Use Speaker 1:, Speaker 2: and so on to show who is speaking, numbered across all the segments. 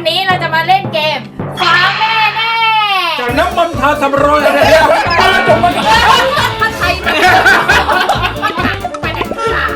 Speaker 1: นี้เราจะมาเล่นเกมฟ้าแม่แน่
Speaker 2: จากน้ำมันทาสำรอยอะไรเนี่ยจมมัน
Speaker 1: ถ้าไทยมันไปไหนค่ะ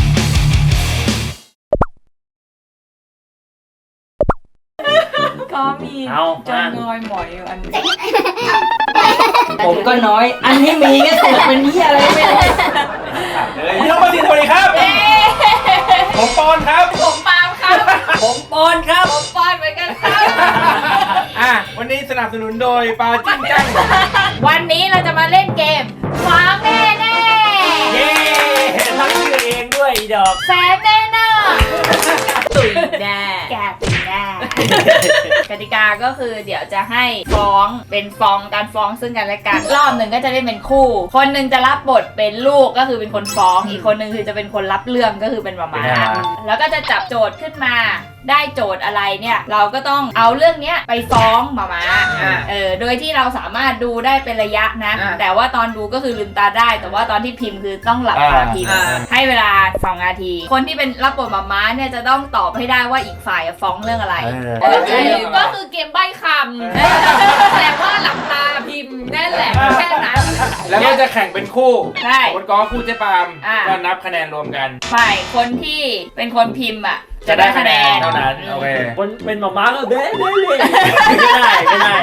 Speaker 1: ก็มีจนงอยหมอยอยู่อันนี้
Speaker 3: ผมก็น้อยอันนี้มีก็แต่เป็นเหี้ยอะไรไม่รู้
Speaker 2: พี่น้องมาดีสวัสดีครับผมปอนครับ
Speaker 1: ผมปาล์มครับ
Speaker 3: ผมปอนครับ
Speaker 1: ผมปอนเหมือนกันครับ
Speaker 2: วันนี้สนับสนุนโดยปลาจิ้งจัง
Speaker 1: วันนี้เราจะมาเล่นเกมฟ้าแม่แน่
Speaker 3: เย้ทั้งชื่อเองด้วยอีดอก
Speaker 1: แฟนแน่น่ะตุ๋ยแน่แกตุ๋ยแน่กติกาก็คือเดี๋ยวจะให้ฟ้องเป็นฟ้องการฟ้องซึ่งกันและกันรอบหนึ่งก็จะเล่นเป็นคู่คนหนึ่งจะรับบทเป็นลูกก็คือเป็นคนฟ้องอีกคนหนึ่งคือจะเป็นคนรับเรื่องก็คือเป็นหม่าแล้วก็จะจับโจทย์ขึ้นมาได้โจทย์อะไรเนี่ยเราก็ต้องเอาเรื่องเนี้ยไปฟ้องหม่าโดยที่เราสามารถดูได้เป็นระยะนะแต่ว่าตอนดูก็คือลืมตาได้แต่ว่าตอนที่พิมพ์คือต้องหลับตาพิมพ์ให้เวลา2 นาทีคนที่เป็นรับบทหม่าเนี่ยจะต้องตอบให้ได้ว่าอีกฝ่ายฟ้องเรื่องอะไรก็คือเกมใบ้คำแต่ว่าหลับตาพิมพ์นั่นแหละแค่นั้น
Speaker 2: แล้วก็จะแข่งเป็นคู่
Speaker 1: ใช่
Speaker 2: คนกอคู่เจ๊ปามก็นับคะแนนรวมกัน
Speaker 1: ฝ่ายคนที่เป็นคนพิมพ์
Speaker 2: จะได้คะแนนเท่านั้นโอเค
Speaker 3: คนเป็นหม่าก็เบ้ไม่ได้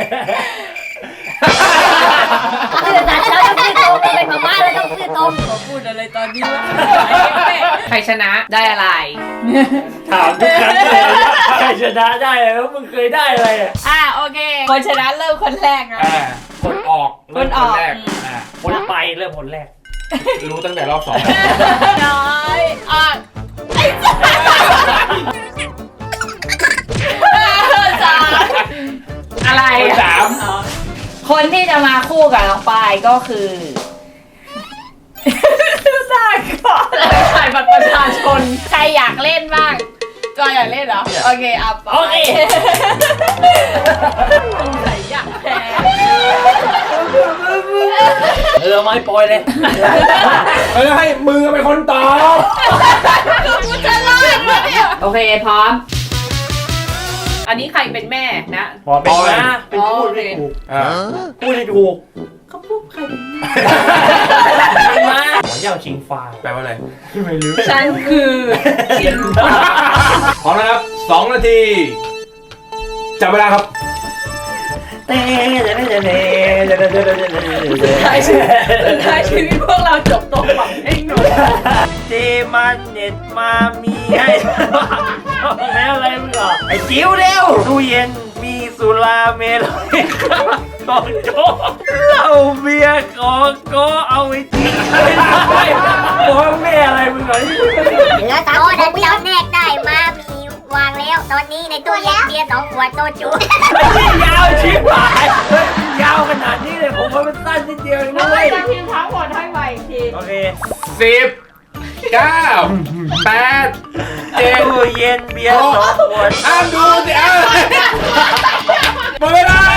Speaker 1: คือแต่เราต้องซื้อตรงเป็นหม่าเราต้องซื้อตรงขอพูดอะไรตอนนี้วะใครชนะได้อะไร
Speaker 3: ถามทุกครั้งเลยใครชนะได้แล้วมึงเคยได้อะไร
Speaker 1: โอเคคนชนะเริ่มคนแรกนะ
Speaker 2: คนออก
Speaker 1: คนแรก
Speaker 3: คนไปเริ่มคนแรก
Speaker 2: รู้ตั้งแต่รอบ2
Speaker 1: น้อยอะไร3คนที่จะมาคู่กับน้องปายก็คือได้ก่อนถ่ายบัตรประชาชนใครอยากเล่นบ้างจอยอยากเล่นเหรอโอเคโอเคใครอยากแพ้
Speaker 3: ไม่ปล่อยเลย
Speaker 2: ให้มือเป็นคนตอบ
Speaker 1: กูจะรอดเนี่ยโอเคพร้อมอันนี้ใครเป็นแม่นะ
Speaker 3: พอเป็นนะเป็นพูดไม่ถูกพูดไม่ถูก
Speaker 1: เขาพูดใครเป็นแม่
Speaker 3: มาหัวเย่าชิงฟ้า
Speaker 2: แปลว่าอะไรไม่รู้
Speaker 1: ฉันคือชิงฟ้า
Speaker 2: พร้อมนะครับ2 นาทีจับเวลาครับ
Speaker 1: สุดท้ายชีวิตพวกเราจบตรงหวังเองหนู
Speaker 3: เจมันเน็ตมามีให้แล้วอะไรมึงเหรอไอ้จิ๋วเร็วตู้เย็นมีสุราเมลัยของโจ๊กเหล้าเบียร์ของก็เอาไว้ทิ้งไม่ได้พ่อแม่อะไรมึงเหรอ
Speaker 4: เหลือ3 คนที่เราแนกได้มามีวางแล้วตอนนี้ในตู้เย็นเบียร์2 ขวดโซจู
Speaker 3: ยาวชิบหายยาวขนาดนี้เลยผมว่ามันสั้นนิดเดียวเอง
Speaker 1: นะเว้ยจะพิมพ์ทั้งหมดให้ใหม่อีกที
Speaker 3: โอเค
Speaker 2: 10 9 8 7
Speaker 3: ตู้เย็นเบียร์2 ขวด
Speaker 2: ดูสิหมดเวลา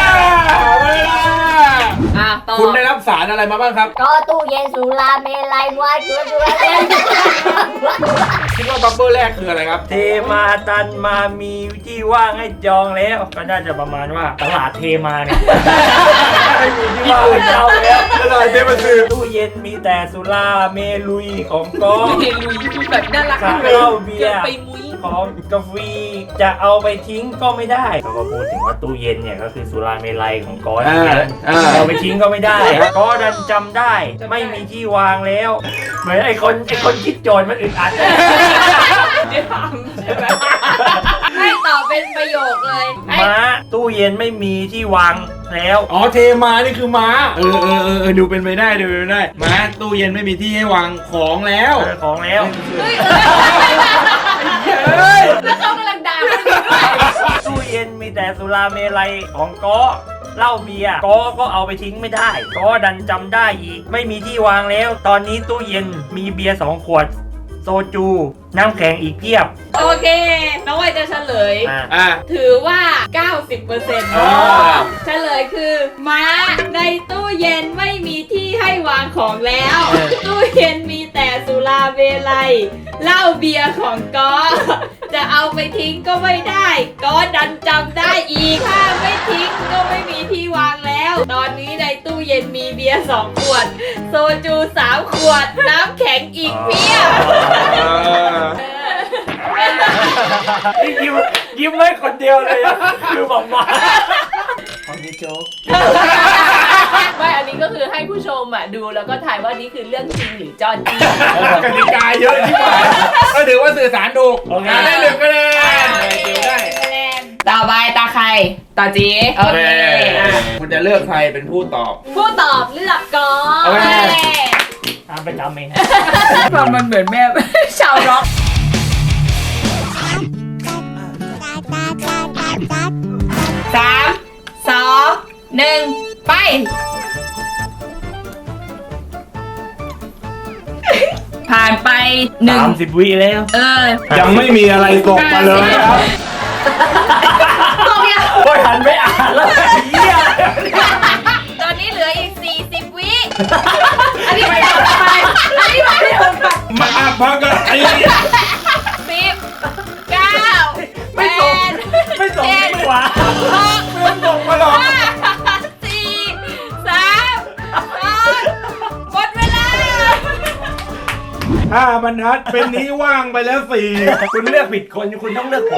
Speaker 2: คุณได้รับสารอะไรมาบ้างครับ
Speaker 4: ก็ตู้เย็นสุราเมลัยวายจุฬา
Speaker 2: คิดว่าบับเบิ้ลแรกคืออะไรครับ
Speaker 3: เทมาตันมามีที่ว่างให้จองแล้วก็น่าจะประมาณว่าตลาดเทมาเนี่ยไม่มีที่ว่างให้จองแล้ว
Speaker 2: ตลาดเทมาซื้อ
Speaker 3: ตู้เย็นมีแต่สุราเมลุยของก้อน
Speaker 1: เมลุยแบบน่ารัก
Speaker 3: เหล้าเบียร์ของกาแฟจะเอาไปทิ้งก็ไม่ได้เขาก็พูดถึงว่าตู้เย็นเนี่ยก็คือสุราเมลัยของก้อนเอาไปทิ้งก็ไม่ได้ก็ดันจำได้ไม่มีที่วางแล้วเหมือนไอ้คนคิดโจรมันอึดอัด
Speaker 1: ให้ตอบเป็นประโยคเลย
Speaker 3: ม้าตู้เย็นไม่มีที่วางแล้ว
Speaker 2: เทมานี่คือม้าดูเป็นไปได้ม้าตู้เย็นไม่มีที่ให้วางของแล้ว
Speaker 1: แล้วเขากำลังด่า
Speaker 3: ตู้เย็นมีแต่สุราเมลัยของก็เหล้าเบียร์ก็เอาไปทิ้งไม่ได้ก็ดันจำได้อีกไม่มีที่วางแล้วตอนนี้ตู้เย็นมีเบียร์2 ขวดโซจูน้ำแข็งอีกเพียบ
Speaker 1: โอเคน้องวัยจะเฉลยถือว่า 90% เฉลยคือม้าในตู้เย็นไม่มีที่ให้วางของแล้วตู้เย็นมีแต่สุราเมลัยเหล้าเบียร์ของก๊อจะเอาไปทิ้งก็ไม่ได้ก็ดันจำได้อีกถ้าไม่ทิ้งก็ไม่มีที่วางแล้ว ตอนนี้ในตู้เย็นมีเบียร์2 ขวด โซจู3 ขวด น้ำแข็งอีกเพียบ
Speaker 3: นี่ยิ้มไว้คนเดียวเลยอะคือบอกมาของนี่โจ๊ก
Speaker 5: ไม่ อันนี้ก็คือให้ผู้ชมอ่ะดูแล้วก็ถ่ายว่านี่คือเรื่องจริงหรือจอนจริง
Speaker 2: กติกาเยอะที่ว่าก็ถือว่าสื่อสารถูกได้1 คะแนนเดี๋ยวได้
Speaker 1: ต่อไปตาใครต่อจีโอเค
Speaker 2: คุณจะเลือกใครเป็นผู้ตอบ
Speaker 5: ผู้ตอบเลือกก่อน
Speaker 2: โอเค
Speaker 3: ตามไปจำเอง
Speaker 1: มันเหมือนแม่ ชาวร็อก3 2 1 ไป ผ่านไป1
Speaker 3: 30 วิแล้ว
Speaker 2: ยังไม่มีอะไรตกมาเลยครับ
Speaker 3: โอ้ยหันไปอ่านแล้วไอ้เหี้ย
Speaker 1: ตอนนี้เหลืออีก40 วิ อันนี้ไม่ถูกไปอันนี้ไม่ถูกไป
Speaker 2: มาพักกันไอ้
Speaker 1: 10 9
Speaker 3: ไม่ส่งไม่ส่งไม่หวา
Speaker 2: เรื่องตกมาหรอก
Speaker 1: 4 3 2 หมดเวลา
Speaker 2: 5 บรรทัดเป็นนี้ว่างไปแล้ว4
Speaker 3: คุณเลือกผิดคนคุณต้องเลือกผม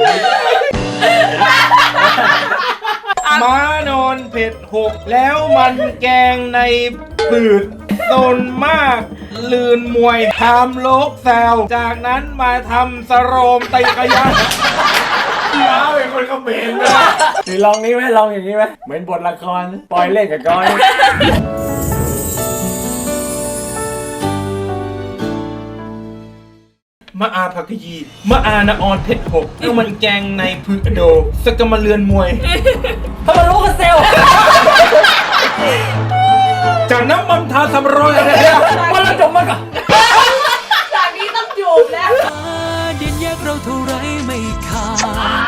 Speaker 2: ม้านอนเผ็ด6 แล้วมันแกงในปืดตนมากลืนมวยทำโลกแซวจากนั้นมาทำสโรมไตกะยะม้าเป็นคนเขมรเลย
Speaker 3: หรือลองนี้ไหมลองอย่างนี้ไหมเหมือนบทละครปล่อยเล่นกับก้อย
Speaker 2: มะอาผักกยีมะอานะออนเผ็ด6แล้วมันแกงในพือโดสกมาเลือนมวย
Speaker 3: ถ้ามันรู้กันเซล
Speaker 2: จากน้ำมันทาสำรอยอะไรเนี่ย
Speaker 3: มันละจบมันก่อน
Speaker 5: จากนี้ต้องจูบแล้ว
Speaker 6: ดินแยกเราเท่าไรไม่ขาด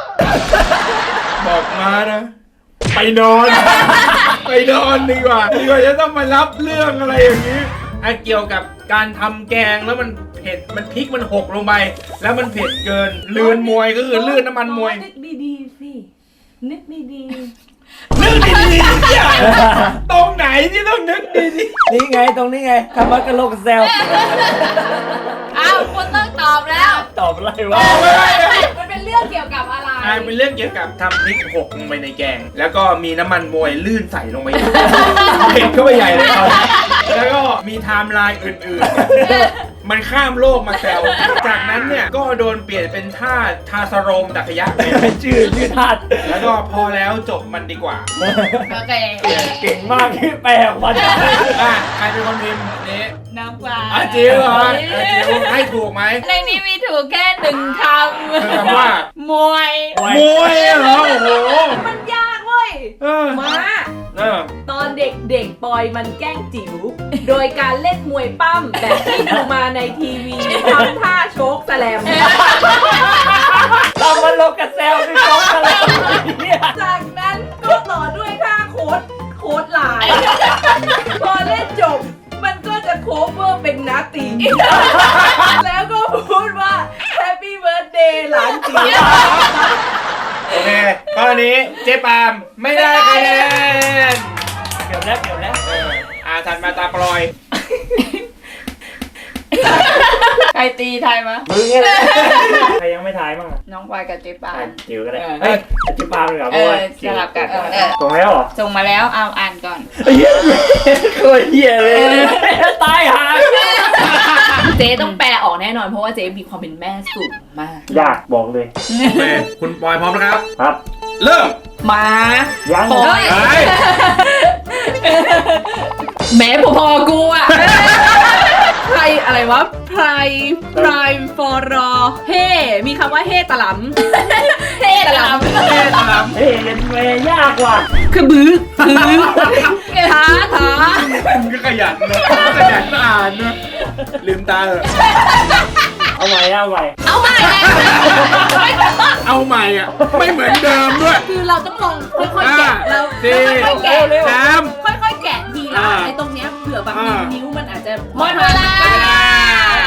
Speaker 2: บอกมานะ ไปนอน ไปนอนดีกว่าจะต้องมารับเรื่องอะไรอย่างนี้เกี่ยวกับการทำแกงแล้วมันเผ็ดมันพริกมันหกลงไป แล้วมันเผ็ดเกินเลือนมวยก็คือเลือนน้ำมันมวย
Speaker 5: นึกดีๆสิ นึกดี
Speaker 2: นึกดีๆเนี่ยตรงไหนที่ต้องนึกดี
Speaker 3: นี่ไงตรงนี้ไงทำมันกระโหลกเซล
Speaker 1: อ้าวคุณต้องตอบแล้ว
Speaker 3: ตอบอะไร
Speaker 2: ๆ
Speaker 3: วะ
Speaker 2: ไม่ได้นะ
Speaker 5: ๆ มันเป็นเรื่องเกี่ยวกับอะไร
Speaker 2: เป็นเรื่องเกี่ยวกับทำพริกหกลงไปในแกง แล้วก็มีน้ำมันมวยลื่นใส่ลงไปเผ็ดเข้าไปใหญ่เลยครับแล้วก็มีไทม์ไลน์อื่นๆ มันข้ามโลกมาแซวจากนั้นเนี่ยก็โดนเปลี่ยนเป็นท่าทาสโรมดักยะไป
Speaker 3: ชื่อธาตุ
Speaker 2: แล้วก็พอแล้วจบมันดีกว่า
Speaker 1: โอเค
Speaker 3: เก่งมากที่แปลออกมาได้
Speaker 2: ใครเป็นคนพิมพ์นี้
Speaker 1: น้ำปลา
Speaker 2: จิ๋วเหรอจิ๋วให้ถูกไหม
Speaker 1: ในนี้มีถูกแค่1 ค
Speaker 2: คือคำว่า
Speaker 1: ำ มวย
Speaker 2: มวยเหรอโอ้โห
Speaker 5: มันยากเว้ย
Speaker 2: เออ
Speaker 5: มา
Speaker 2: เออ
Speaker 5: ตอนเด็กๆ ปอยมันแกล้งจิ๋ว โดยการเล่นมวยปั้มแบบที่ดูมาในทีวีทำท่าโชกแสลม
Speaker 3: ทำมันโลกกับเซลคือโจ๊กอะไรเนี่ย
Speaker 5: จากนั้นก็ต่อด้วยท่าโค้ดหลาย พอเล่นจบ มันก็จะโคเวอร์เป็นนาตี แล้วก็พูดว่า Happy Birthday หลานจิ๋ว
Speaker 2: โอเคข้อนี้เจ๊ปาล์มไม่ได้คะแนน
Speaker 3: เดี๋ยวแล้ว
Speaker 2: ถัดมาตาปลอย
Speaker 1: ใครตีไทยมา
Speaker 3: มึงเนี่ยใครยังไม่ทายบ้างอ่ะ
Speaker 1: น้องปอยกับเจ๊ปา
Speaker 3: จิ๋วก็ได้
Speaker 1: เออ
Speaker 3: เฮ้ยจิ๋วปาล์มเลยเหรอ
Speaker 1: เออสลับกันเออ
Speaker 3: ตรงแล้วเหรอ
Speaker 1: ส่งมาแล้วเอาอ่านก่อน
Speaker 3: เหี้ยโคตรเหี้ยเลยตายหา
Speaker 5: เจ๊ต้องแปลออกแน่นอนเพราะว่าเจ๊มีความเป็นแม่สูงมาก
Speaker 3: ยากบอกเลย
Speaker 2: โอเคคุณปอยพร้อมนะครับ
Speaker 3: ครับ
Speaker 2: เริ่ม
Speaker 1: มา
Speaker 3: ยัง
Speaker 1: โอ้ย
Speaker 2: ไป
Speaker 5: แม้พอๆกูอะไพรอะไรวะไพรฟอรอเฮ่มีคำว่าเฮ่ตะหลำ
Speaker 1: เท่ตะลำ
Speaker 2: เอ๊ะตาม
Speaker 3: เฮ้ยเล่นเมย์ยากว่ะ
Speaker 5: คือบื้อท้า
Speaker 2: คุณก็ขยันนะขยันอ่านนะลืมตาเถอะ
Speaker 3: เอาใหม่
Speaker 1: เอาใหม่
Speaker 2: เอาใหม่อ่ะ ไม่เหมือนเดิมด้วย
Speaker 5: คือเราต้องลองค่อยๆแกะเรา
Speaker 2: สี่
Speaker 5: ค่อยๆแกะ
Speaker 2: สาม
Speaker 5: ค่อยๆแกะทีละไอ้ตรงเนี้ยเผื่อบางที
Speaker 2: อ่านิ้
Speaker 5: นิ้วมันอาจจะ
Speaker 1: หมดเวลา
Speaker 3: โอ้โห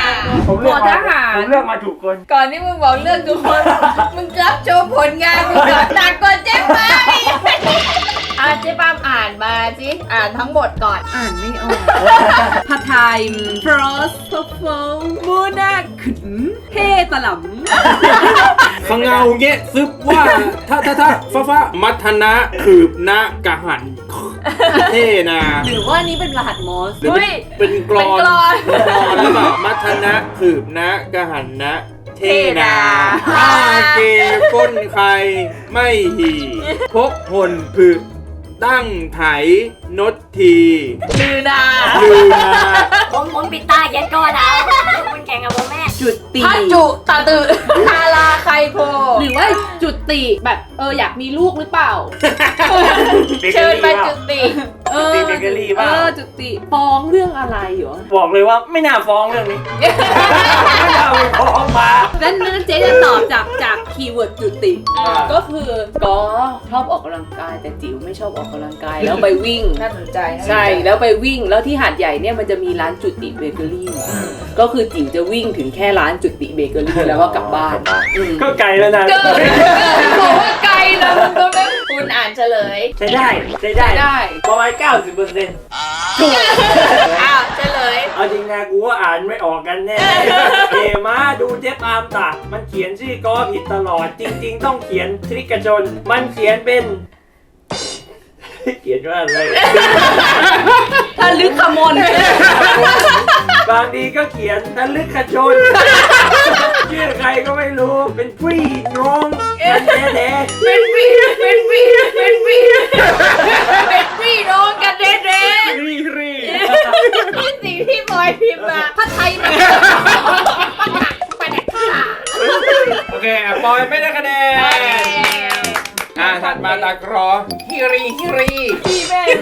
Speaker 3: ผมเลือก
Speaker 5: หมอทหาร
Speaker 3: ผมเลือกมาถูกคน
Speaker 1: ก่อนที่มึงบอกเรื่องทุกคน มึงรับโชว์ผลงานมึงก่อนหนักกว่าเจ๊ปามอีกเจ๊ปามอ่านมาสิอ่านทั้งหมดก่อน
Speaker 5: อ่านไม่ออกผัดไทยฟรอสโฟมูนาขึ้นเฮตะหลำ
Speaker 2: ฟังเงาเงี้ยซึบว่าถ้าฟ้ามัทนะขืบนะกะหันเท่นา
Speaker 5: หรือว่านี่เป็นรหัสมอส
Speaker 2: หรือเป็นกรอน
Speaker 1: เป็นกลอน
Speaker 2: เป็นกรอนหรือเปล่ามัทนะขืบนะกะหันนะเท่นาอาเกก้นใครไม่หีพกหนผึตั้งไถนดที
Speaker 1: ลือนา
Speaker 2: ลือนา
Speaker 4: ผมปิดตาเขียนก่อนเอาคุณแข่งกับผมแม่
Speaker 5: จุติ
Speaker 1: พัจุตาตือทาราไคโพ
Speaker 5: หรือว่าจุติแบบอยากมีลูกหรือเปล่า
Speaker 1: เชิญมาจุติ
Speaker 3: จุติเบเกอรี่เปล่า
Speaker 5: จุติฟ้องเรื่องอะไรเหรอ
Speaker 3: บอกเลยว่าไม่น่าฟ้องเรื่องนี้ ไม่น่าไปฟ้องมา
Speaker 5: นั่นเจ๊จะตอบจากคีย์เวิร์ดจุติ ก็คือก็ชอบออกกำลังกายแต่จิ๋วไม่ชอบออกกำลังกายแล้วไปวิ่ง
Speaker 1: น่าสนใจ
Speaker 5: ใช่แล้วไปวิ่งแล้วที่หาดใหญ่เนี่ยมันจะมีร้านจุติเบเกอรี่ก็คือจิ๋วจะวิ่งถึงแค่ร้านจุติเบเกอรี่แล้วก็กลับบ้านอืม
Speaker 3: ก็ไกลแล้วนะ
Speaker 1: บอกว่าไกลนะมึงก็ไม่คุณอ่านเฉลย
Speaker 3: ใช้ได้ใช้ได้
Speaker 5: ได้
Speaker 3: ประมาณ 90% ถูก
Speaker 1: อ้าวเฉลย
Speaker 3: เอาจริงนะกูว่าอ่านไม่ออกกันแน่เอมาดูเจ๊ปามตะมันเขียนชื่อกอผิดตลอด จริง ๆ ต้องเขียนทริกชน มันเขียนเป็น เขียนว่าอะไร
Speaker 5: ถ้าลึกขมน
Speaker 3: บางทีก็เขียนทะลึกขจนชื่อใครก็ไม่รู้เป็นพี่น้องกันแท้ๆ
Speaker 1: เป็นพี่น้องกันเด้
Speaker 2: รีรี
Speaker 1: ๆนี่สิ่งที่บอยพิมพ์มาพัดไทยมัน
Speaker 2: โอเคปอยไม่ได้คะแนนถัดมาตากรอฮิรี
Speaker 1: พี่แม่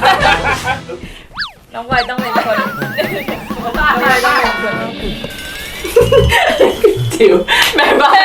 Speaker 1: น้องบอยต้องเป็นคนบ้าจิ๋วแม่บ้า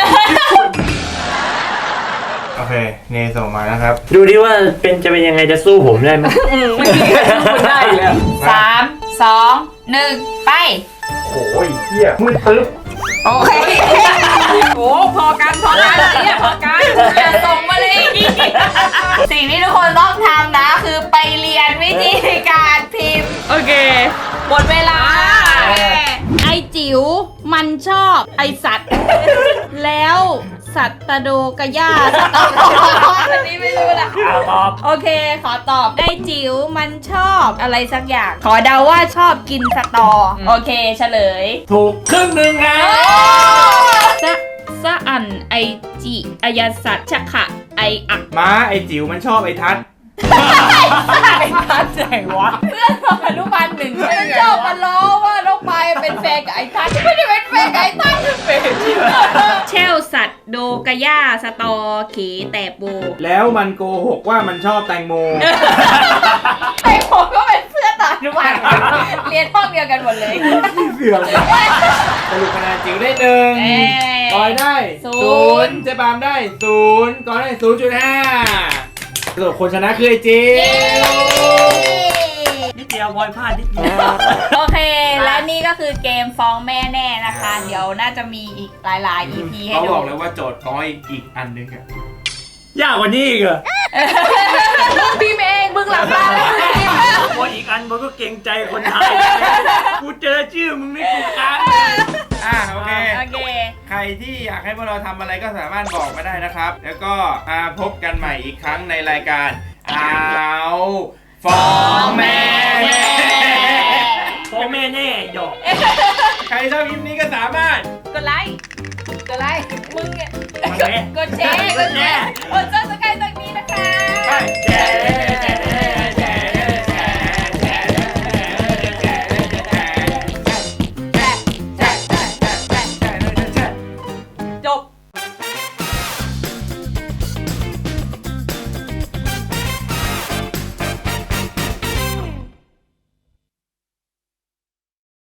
Speaker 2: โอเคเนส่งมานะครับ
Speaker 3: ดูดิว่าจะเป็นยังไงจะสู้ผมได้ไหม
Speaker 5: ไม่มีใครสู้มันได้อีกแล้ว
Speaker 1: 3 2 1 ไป
Speaker 3: โอ้ยเหี้ยมืดตึ๊บ
Speaker 1: โอเค โอ้พอกันเนี่ยพอกันอย่าส่งมาเลย สิ่งที่ทุกคนต้องทำนะคือไปเรียนวิธีการพิมพ์ โอเค หมดเวลา
Speaker 7: ไอจิ๋วมันชอบไอสัตว์ แล้วสัตตโดกะย่า
Speaker 1: อันนี้ไม่รู้นะ
Speaker 3: ตอบ
Speaker 1: โอเค ขอตอบไอจิ๋วมันชอบอะไรสักอย่าง ขอเดาว่าชอบกินสตอ โอเค เฉลย
Speaker 3: ถูกครึ่งหนึ่งครับ
Speaker 7: สะอันไอจิอายาสัตว์ชะขะไออัก
Speaker 2: ม้าไอจิ๋วมันชอบไอทัศน์
Speaker 1: ไอ้ทัศน์ไหนวะเพื่อนอนุบาลหนึ่งมันชอบมาล้อว่าน้องปายเป็นแฟนกับไอ้ทัศน์ไม่ได้เป็นแฟนกับไอ้ทัศน์เป็น
Speaker 7: เชลสัตว์โดกะย่าสตอเขแต่โบ
Speaker 2: แล้วมันโกหกว่ามันชอบแตงโม
Speaker 1: ไอ้ผมก็เป็นเพื่อนต่ออนุบาลเรียนห้องเดียวกันหมดเลย
Speaker 2: เสื่อมสรุปคะแนนจิ๋วได้หนึ่ง
Speaker 1: เอ้ย
Speaker 2: กอยได้
Speaker 1: ศูนย์
Speaker 2: เจ๊ปามได้0กอยได้ 0.5สรุปคนชนะคือไอจิ๋ว
Speaker 3: นิดเดียวบอยพลาดนิดเดียว
Speaker 1: โอเค และนี่ก็คือเกมฟ้องแม่แน่นะคะ เดี๋ยวน่าจะมีอีกหลายๆ EP ให้
Speaker 2: เขา
Speaker 1: ดู
Speaker 2: บอกเลยว่าโจทย์ก้อยอีกอันนึงอะ
Speaker 3: ยากกว่านี้อีกเหรอ
Speaker 1: พี่เมงมึงหลับตาแล้วมึงพิมพ์แล้ว
Speaker 3: พออีกอันมันก็เกรงใจคนไทยกูเจอชื่อมึงไม่กูค้าง
Speaker 2: โอเค
Speaker 1: โอเค
Speaker 2: ใครที่อยากให้พวกเราทำอะไรก็สามารถบอกมาได้นะครับ แล้วก็มาพบกันใหม่อีกครั้งในรายการเอาฟ้องแม่
Speaker 3: พ่อแม่แน่หยอก
Speaker 2: ใครชอบคลิปนี้ก็สามารถ
Speaker 1: กดไลค์ มึงเนี่ย
Speaker 3: กดแชร์
Speaker 1: กดแชร์ กดซับสไครต์ตรงนี้นะคะ
Speaker 3: แชร์